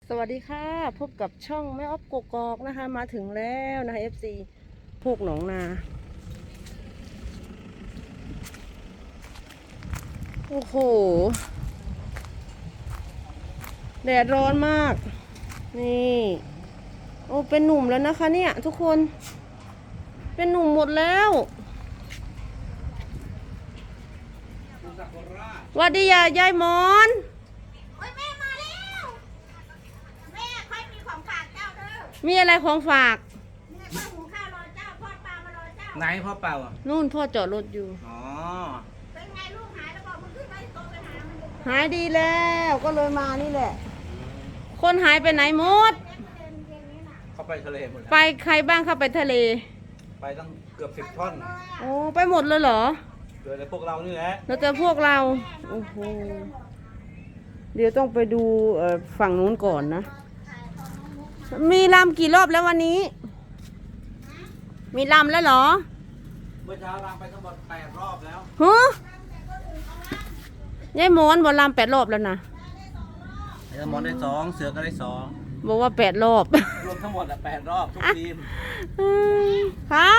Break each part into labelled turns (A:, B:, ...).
A: สวัสดีค่ะพบกับช่องแม่ออฟกกอกนะคะมาถึงแล้วนะคะ FC พวกหนองนาโอ้โหแดดร้อนมากนี่โอ้เป็นหนุ่มแล้วนะคะเนี่ยทุกคนเป็นหนุ่มหมดแล้ววัสดียายหมอน
B: โอ้ยแม่มาแล้วแม่ค่อยมีของฝากเจ้าเด้อ
A: มีอะไรของฝาก
B: แม่ค่อยหุงข้าวรอเจ้าทอดปลามารอเจ้า
C: ไหนพ่อเปล่าอ่ะ
A: นู่นพ่อจอดรถอยู่
C: อ๋อ
B: เป็นไงลูกหายแล้วบอกมึงขึ้นไปโตไปหามัน
A: หายดีแล้วก็เลยมานี่แหละคนหายไปไหนหมด
C: เขาไปทะเลหมดแล้ว
A: ไปใครบ้างเข้าไปทะเล
C: ไปตั้งเกือบ10 ท่อน
A: โอ้ไปหมดเลยเหรอ
C: เหลือแต่พวกเรานี่แหละ
A: แล้วแต่พวกเราโอ้โหเดี๋ยวต้องไปดูฝั่งนู้นก่อนนะมีลำกี่รอบแล้ววันนี้มีลำแล้วเหรอ
C: เมื่อเช้าเราไปทั้งหมด8 รอบแล้ว
A: ฮะยายหมอนบอกลำ8 รอบแล้วนะ
C: ไอ้สมอนได้2เสือก็ได้2
A: บอกว่า8 รอบ
C: รวมทั้งหมด8 รอบทุกทีม
A: ฮะ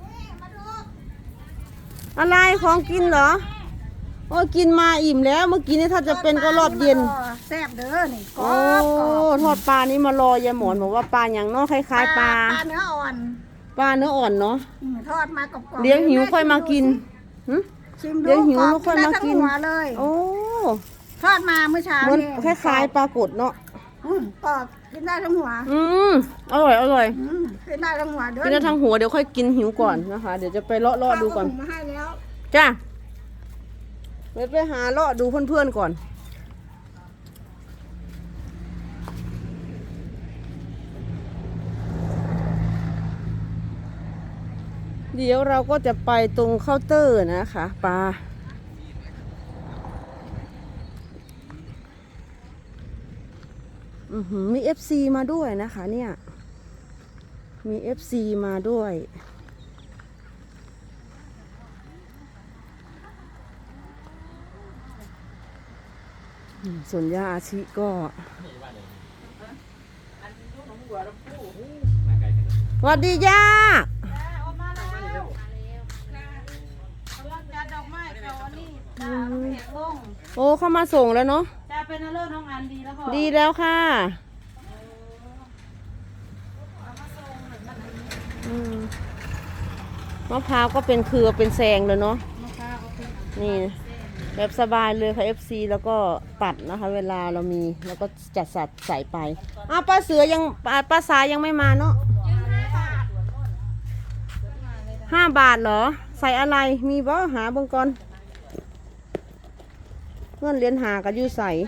A: อะไรของกินเหรอโอ้กินมาอิ่มแล้วเมื่อกี้นี่ถ้าจะเป็นก็รอบเย็น
B: แซ่บเด้อนี่
A: โอ้ทอดปลานี่มารอยายหมอนบอกว่าปลาอย่างเนาะคล้ายๆปลา
B: เนื้ออ่อน
A: ปลาเนื้ออ่อนเนาะ
B: ทอดมากรอบ
A: เลี้ยงหิวค่อยมากินเลี้ยงหิวแล้วค่อยมากิน
B: เลย
A: โอ้
B: ทอดมาเมื่อเช้า
A: มันคล้ายๆปลากดเนาะ
B: กรอบกินได้ทั้งหัว
A: อร่อยอร่อย
B: กินได้ทั้งหัวเด้อ
A: กินได้ทั้งหัวเดี๋ยวค่อยกินหิวก่อนนะคะเดี๋ยวจะไปเลาะดูก่อน
B: มาให้แล้ว
A: จ้าไปหาเลาะดูเพื่อนๆก่อนเดี๋ยวเราก็จะไปตรงเคาน์เตอร์นะคะปลามี FC มาด้วยนะคะเนี่ยมี FC มาด้วยส่วนย่าอาชิก็สวัสดีย่าโอ้เข้ามาส่งแล้วเนาะ
B: จะเป็นเลิศน้องอันดีแล้วค่ะ
A: ดีแล้วค่ะมะพร้าวก็เป็นเครือเป็นแซงเลยเนาะนี่แบบสบายเลยค่ะ FC แล้วก็ตัดนะคะเวลาเรามีแล้วก็จัดสัดใส่ไปป้าเสือยังป้าสายยังไม่มาเนาะ5 บาทเหรอใส่อะไรมีบ่หาเบิ่งก่อนเงินเหรียญหากับยูใส่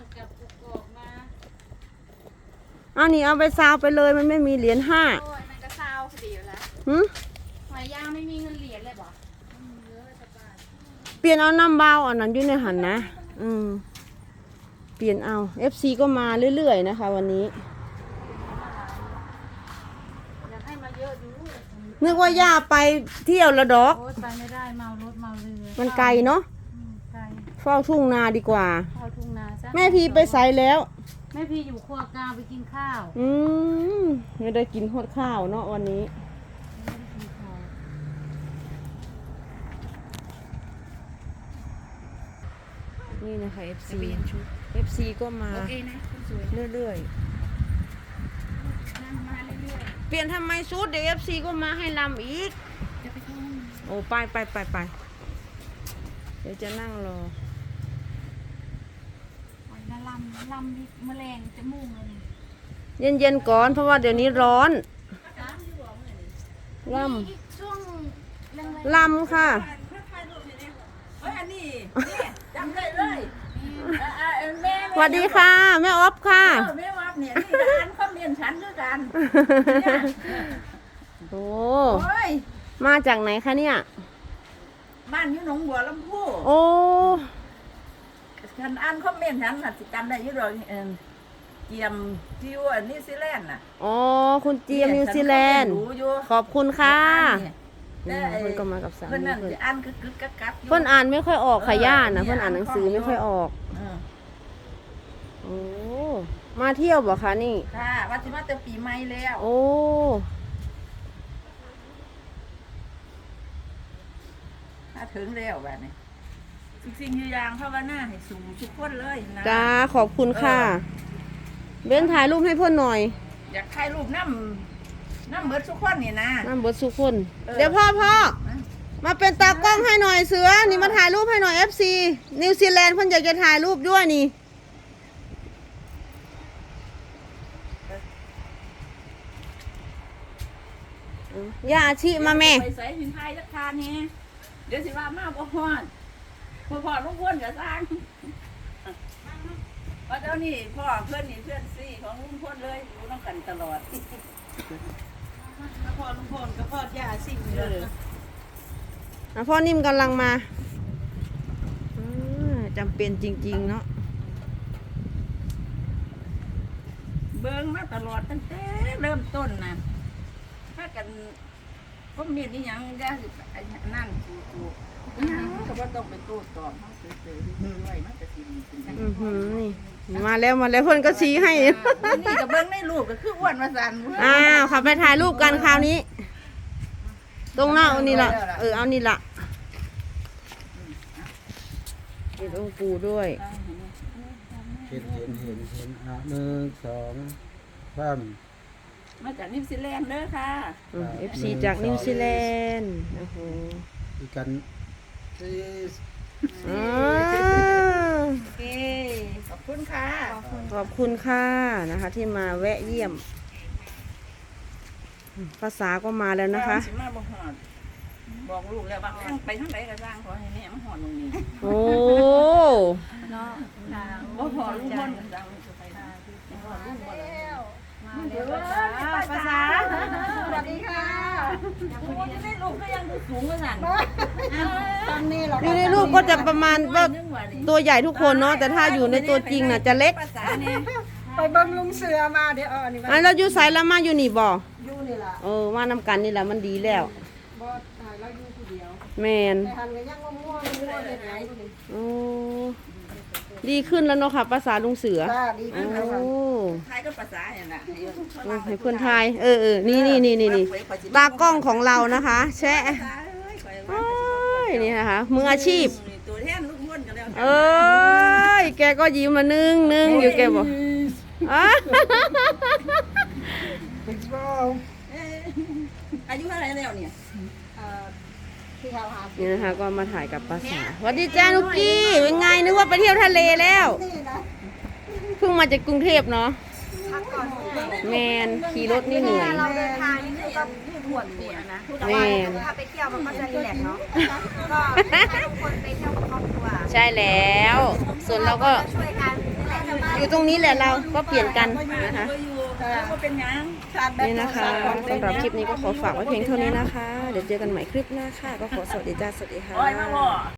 A: นี่เอาไปซาวไปเลยมันไม่มีเหรียญ5
B: มันก็ซาวพอดีแล้วหอยย่างไม่มีเงินเหรียญเลยบ่
A: เปลี่ยนเอาน้ำเบาอันนั้นอยู่ในหันนะเปลี่ยนเอา FC ก็มาเรื่อยๆนะคะวันนี้
B: อยากให้มาเยอะดู
A: นึกว่าย่าไปเที่ยวละดอก
B: ไปไม่ได้เมารถเมาเรือ
A: มันไกลเนาะ
B: ไกล
A: เฝ้าทุ่งนาดีกว่า
B: เฝ้าทุ่งนาซะ
A: แม่พีไปใส่แล้ว
B: แม่พีอยู่ครัวกลางไปกินข้าว
A: ไม่ได้กินฮอดข้าวเนาะวันนี้นี่นะคะ FC ก็มาเรื่อยๆเปลี่ยนทำไมชุดเดี๋ยว FC ก็มาให้ลำอีกโอ้ไปเดี๋ยวจะนั่งรอ
B: ลำแมลงจะมุ่งเลย
A: เย็นๆก่อนเพราะว่าเดี๋ยวนี้ร้อนลำค่ะสวัสดีค่ะแม่ออฟค่ะ
B: แม่ออฟเนี่ยที่ร้านเขาเรียนชั้นด้วยกัน
A: โอ้มาจากไหนคะเนี่ย
B: บ้านอยู่หนองบัวลำพู
A: โอ้
B: ฉันอ่านคอมเมนต์ฉันจำได้อยู่ดอกเจียมจิวนิวซีแลนด์น่ะ
A: อ๋อคุณเจียมนิวซีแลนด์ขอบคุณค่ะเพื่อนก็มากับสามีเพื่อน
B: อ่านกึกกัก
A: เพื่อนอ่านไม่ค่อยออกค่ะย่านะเพื่อนอ่านหนังสือไม่ค่อยออกโอ้มาเที่ยวบ่คะนี่
B: ค่ะว่าสิมาแต่ปีใหม่แล้ว
A: โอ้
B: มาถึงแล้วแบบนี้สิ่งอย่างภาวนาให้สูงทุกคนเลยนะ
A: จ้าขอบคุณค่ะ เบ้นถ่ายรูปให้เพื่อนหน่อย
B: อยากถ่ายรูปน้ำเบิดทุกคนนี่นะ
A: น้ำเบิดสุกคน
B: เออ
A: เดี๋ยวพ่อมาเป็นตากล้องให้หน่อยเสือ นี่มาถ่ายรูปให้หน่อย FC นิวซีแลนด์เพิ่นอยากจะถ่ายรูปด้วยนี่ย่าอาชีมาแม่
B: ไปใส่หินไทยสักทานนี่เดี๋ยวสิว่ามาบ่ฮอดพ่อลูกพ่นกับสร้างเพราะเจ้านี่พ่อเพื่อนนี่เพื่อนซี่ของลุงพ่นเลยอยู่น้องกันตลอด
D: พ่อลุงพลกับพ่อย่าสิ่งเลย
A: พ่อนิ่มกำลังมาจำเป็นจริงๆเนาะ
B: เบิ่งมาตลอดตั้งแต่เริ่มต้นนะถ้ากันก็มีนี่ยังย่าสิไอ้นั่นถูกยังก็บ่ต้องไปโต้ตอบเขาเฉยๆไว้มันจะสิมีเป็นจัง
A: นี่มาแล้วเพื่อนก็ชี้ให้
B: นี่ก็เบิ่งในรูปก็คืออ้วนมาสั่น
A: อ้าวขับไปถ่ายรูปกันคราวนี้ ตรงหน้าเอานี่ละเอานี่ละเห็นองค์ปู่ด้วย
C: เห็นอ่ะ1 2 3
B: มาจากนิวซีแลนด์เด้อค่ะ
A: FC จากนิวซีแลนด์โอ้โห
C: อีกกัน
A: อ่า
B: โอเคขอบคุณค่ะ
A: ขอบคุณค่ะนะคะ ที่มาแวะเยี่ยม ภาษาก็มาแล้วนะคะ
B: สิมาบ่ฮอดบอกลูกแล้วว่าข้างไปทางไหนก็สร้างขอให้แม่มาฮอดตรงนี้
A: โอ้
D: เนาะค่ะ
B: บ่พอลุงพลก็สร้างลูกไปหาที่ฮอดลุงบ่แล้ว
D: มาเดี๋ยวภาษาสวัสดีค่ะ
B: โอ้ยได้ลูกก็ยังดูสูงว่าสั่น
D: ตอนนี้เรา
A: อยู่ในรูปก็จะประมาณว่า
B: นึงว่านี่
A: ตัวใหญ่ทุกคนเนาะแต่ถ้าอยู่ในตัวจริงน่ะจะเล็ก
B: ภาษานี่
D: ไปเบิ่งลุงเสือมาเดี๋ยวนี่ว่า
A: เราอยู่ไสายละมาอยู่นี่บ่
D: อยู่นี่ล่ะ
A: ว่านำกันนี่แหละมันดีแล้ว
D: บ่ตายเราอยู่ผู้เดียว
A: แมน
D: แต่หันก็ยังง่วงเฮ็ดหยังอยู่นี่
A: โอ้ดีขึ้นแล้วเนาะค่ะภาษาลุงเสือ
D: จ้าดี
A: โอ้
D: ขึ้นแล้วค่ะ
B: ไทยก็ภาษาอย่างน่ะ
A: ให้เพื่อนทายนี่ตากล้องของเรานะคะ แชะโอ้ยนี่นะคะมืออาชีพ
B: ตัวแทนลูกม่วนกันแล้ว
A: เอ้ยแกก็ยิ้มมานึ่งอยู่แกบอกอ่ะ
B: อายุเท่าไหร่แล้วเนี่ย
D: ที่เขาหา
A: นี่นะคะก็มาถ่ายกับภาษาสวัสดีจ้านุกกี้เป็นไงนึกว่าไปเที่ยวทะเลแล้ว
D: นี่นะ
A: เพิ่งมาจากกรุงเทพเนาะ
D: พักก่อน
A: แมนขี่รถนี่เหนื่อย
D: เราเดินทางนี่คือกับปวดหัวนะ
A: แมน
D: ถ้าไปเที่ยวมันก็จะรีแลกซ์เนาะก็ให้ทุกคนไปเที่ยวกับครอบครัว
A: ใช่แล้ว ส่วนเราก็
D: ช่วยกันนี่แหละ
A: อยู่ตรงนี้แหละเราก็เปลี่ยนกันนะคะ
B: ก็อยู่ก็เป็นยัง
A: นี่นะคะสำหรับคลิปนี้ก็ขอฝากไว้เพียงเท่านี้นะคะ เดี๋ยวเจอกันใหม่คลิปหน้าค่ะ ก็ขอสวัสดีจ้าสวัสดีค่ะ
B: โอ้ยมาบ่